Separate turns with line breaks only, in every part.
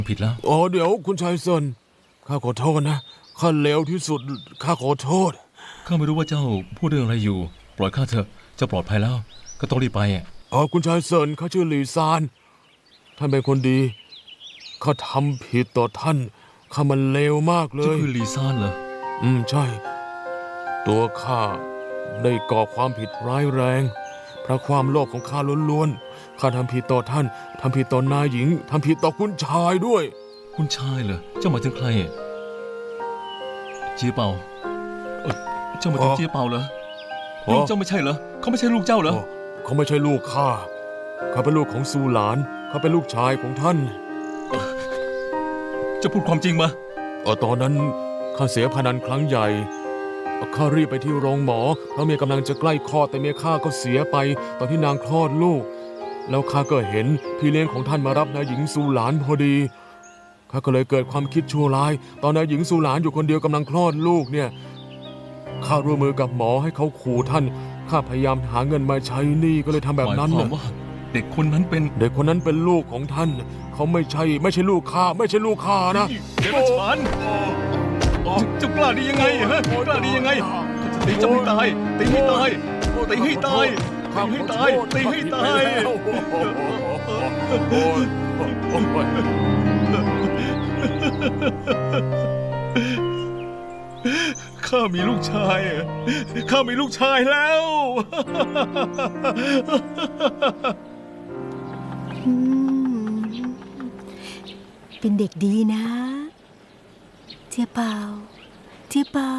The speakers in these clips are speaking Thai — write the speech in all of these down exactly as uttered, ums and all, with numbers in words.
ผิดแล้ว
อ๋อเดี๋ยวคุณชายเซินข้าขอโทษนะข้าเลวที่สุดข้าขอโทษ
ข้าไม่รู้ว่าเจ้าพูดเรื่องอะไรอยู่ปล่อยข้าเถอะเจ้าปลอดภัยแล้วก็ต้องรีบไปอ่ะ
อ๋อคุณชายเซินข้าชื่อหลี่ซานท่านเป็นคนดีข้าทำผิดต่อท่านข้ามันเลวมากเล
เจ้าย คือลีซานเหรอ
อืมใช่ตัวข้าได้ก่อความผิดร้ายแรงเพราะความโลภของข้าล้วนๆข้าทำผิดต่อท่านทำผิดต่อนายหญิงทำผิดต่อคุณชายด้วย
คุณชายเหรอเจ้าหมายถึงใครเจียเปาเออเจ้าหมายถึงเจียเปาเหรอลูกเจ้าไม่ใช่เหรอเขาไม่ใช่ลูกเจ้าเหรอ
เขาไม่ใช่ลูกข้าเขาเป็นลูกของซูหลานเขาเป็นลูกชายของท่าน
จะพูดความจริงมา
เออตอนนั้นข้าเสียพนันครั้งใหญ่ข้ารีบไปที่โรงหมอเพราะเมียกำลังจะใกล้คลอดแต่เมียข้าก็เสียไปตอนที่นางคลอดลูกแล้วข้าก็เห็นพี่เลี้ยงของท่านมารับนายหญิงซูหลานพอดีข้าก็เลยเกิดความคิดชั่วร้ายตอนนายหญิงซูหลานอยู่คนเดียวกำลังคลอดลูกเนี่ยข้าร่วมมือกับหมอให้เขาขู่ท่านข้าพยายามหาเงินมาใช้หนี้ก็เลยทำแบบนั้น
หมายความว่าเด็กคนนั้นเป็น
เด็กคนนั้นเป็นลูกของท่านเขาไม่ใช่ไม่ใช่ลูกข้าไม่ใช่ลูกข้านะ
เดรัจฉานจะกล้าดียังไงฮะกล้าดียังไงตีจะไม่ตายตีให้ตายตีให้ตายตีให้ตายตีให้ตายข้ามีลูกชายข้ามีลูกชายแล้ว
เป็นเด็กดีนะเจียเป่าเจียเป่า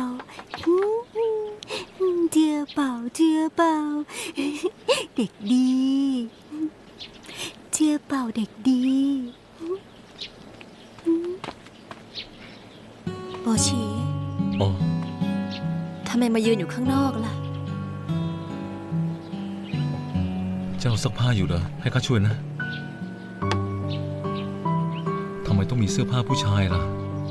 เจียเป่าเจียเป่าเด็กดีเจียเป่าเด็กดีโบชี
อ๋อ
ทำไมมายืนอยู่ข้างนอกล่ะ
เจ้าซักผ้าอยู่เหรอให้ข้าช่วยนะทำไมต้องมีเสื้อผ้าผู้ชายล่ะ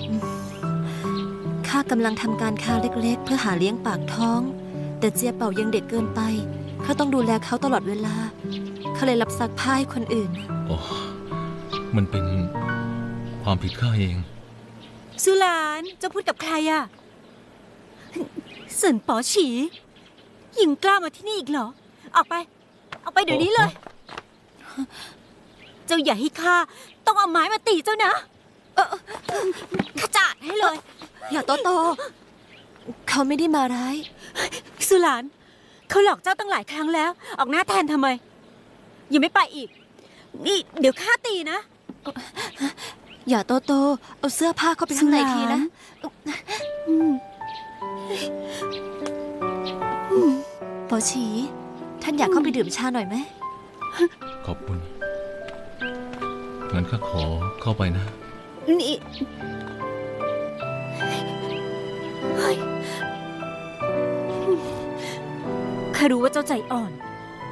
ข้ากำลังทำการค้าเล็กๆเพื่อหาเลี้ยงปากท้องแต่เจียเป่ายังเด็กเกินไปข้าต้องดูแลเขาตลอดเวลาข้าเลยรับซักผ้าให้คนอื่น
อ๋อมันเป็นความผิดข้าเอง
สุหลานจะพูดกับใครอะเสินป๋อฉียิงกล้ามาที่นี่อีกเหรอออกไปออกไปเดี๋ยวนี้เลยเจ้าอย่าให้ข้าต้องเอาไม้มาตีเจ้านะเออข้าจัดให้เลยอย่าโตโตเขาไม่ได้มาร้ายสุหลานเขาหลอกเจ้าตั้งหลายครั้งแล้วออกหน้าแทนทำไมยังไม่ไปอีกนี่เดี๋ยวข้าตีนะอย่าโตโตเอาเสื้อผ้าเข้าไปข้างในทีนะป๋อฉีท่านอยากเข้าไปดื่มชาหน่อยไหม
ขอบคุณงั้นข้าขอเข้าไปนะ
นี่ข้ารู้ว่าเจ้าใจอ่อน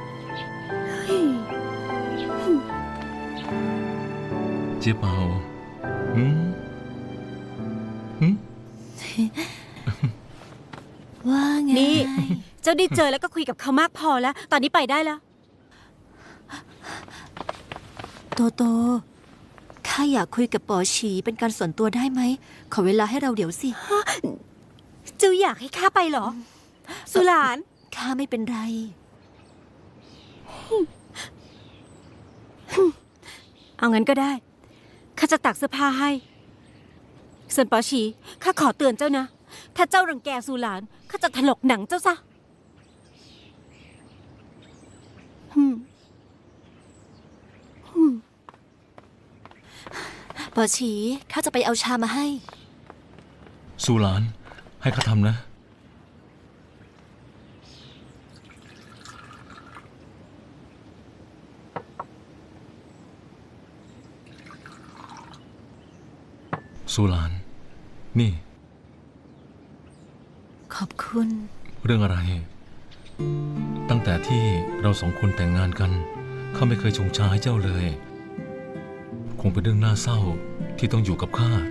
เจี๊ยบเปาหืมหืม
ว่าไงนี่เจ้าได้เจอแล้วก็คุยกับเขามากพอแล้วตอนนี้ไปได้แล้วโตโตข้าอยากคุยกับป๋อฉีเป็นการส่วนตัวได้ไหมขอเวลาให้เราเดี๋ยวสิเจ้าอยากให้ข้าไปเหรอสุหลานข้าไม่เป็นไรเอางั้นก็ได้ข้าจะตักเสื้อผ้าให้ส่วนป๋อฉีข้าขอเตือนเจ้านะถ้าเจ้ารังแกสุหลานข้าจะถลกหนังเจ้าซะป๋อฉีข้าจะไปเอาชามาให้
สุหลานให้ข้าทำนะสุหลานนี่
ขอบคุณ
เรื่องอะไรตั้งแต่ที่เราสองคนแต่งงานกันข้าไม่เคยชงชาให้เจ้าเลยคงเป็นเรื่องน่าเศร้าที่ต้องอยู่กับข้า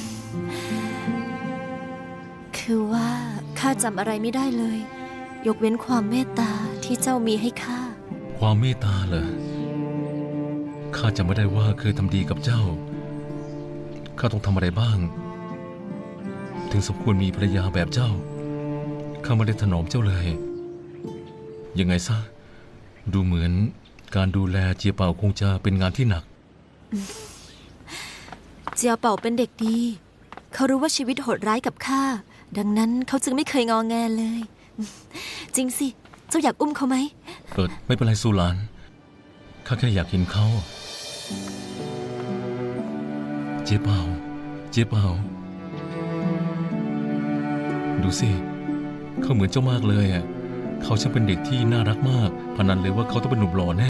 คือว่าข้าจำอะไรไม่ได้เลยยกเว้นความเมตตาที่เจ้ามีให้ข้า
ความเมตตาเหรอข้าจำไม่ได้ว่าเคยทำดีกับเจ้าข้าต้องทำอะไรบ้าง ถึงสมควรมีภรรยาแบบเจ้า ข้าไม่ได้ถนอมเจ้าเลย ยังไงซะ ดูเหมือนการดูแลเจียเป่าคงจะเป็นงานที่หนัก
เจียเป่าเป็นเด็กดี เขารู้ว่าชีวิตโหดร้ายกับข้า ดังนั้นเขาจึงไม่เคยงอแงเลย จริงสิ เจ้าอยากอุ้มเขาไหม
เออไม่เป็นไรสุหลาน ข้าแค่อยากเห็นเขา เจ๊เป่า เจ๊เป่า ดูสิ เขาเหมือนเจ้ามากเลยอ่ะ เขาช่างเป็นเด็กที่น่ารักมาก พนันเลยว่าเขาต้องเป็นหนุ่มหล่อแน่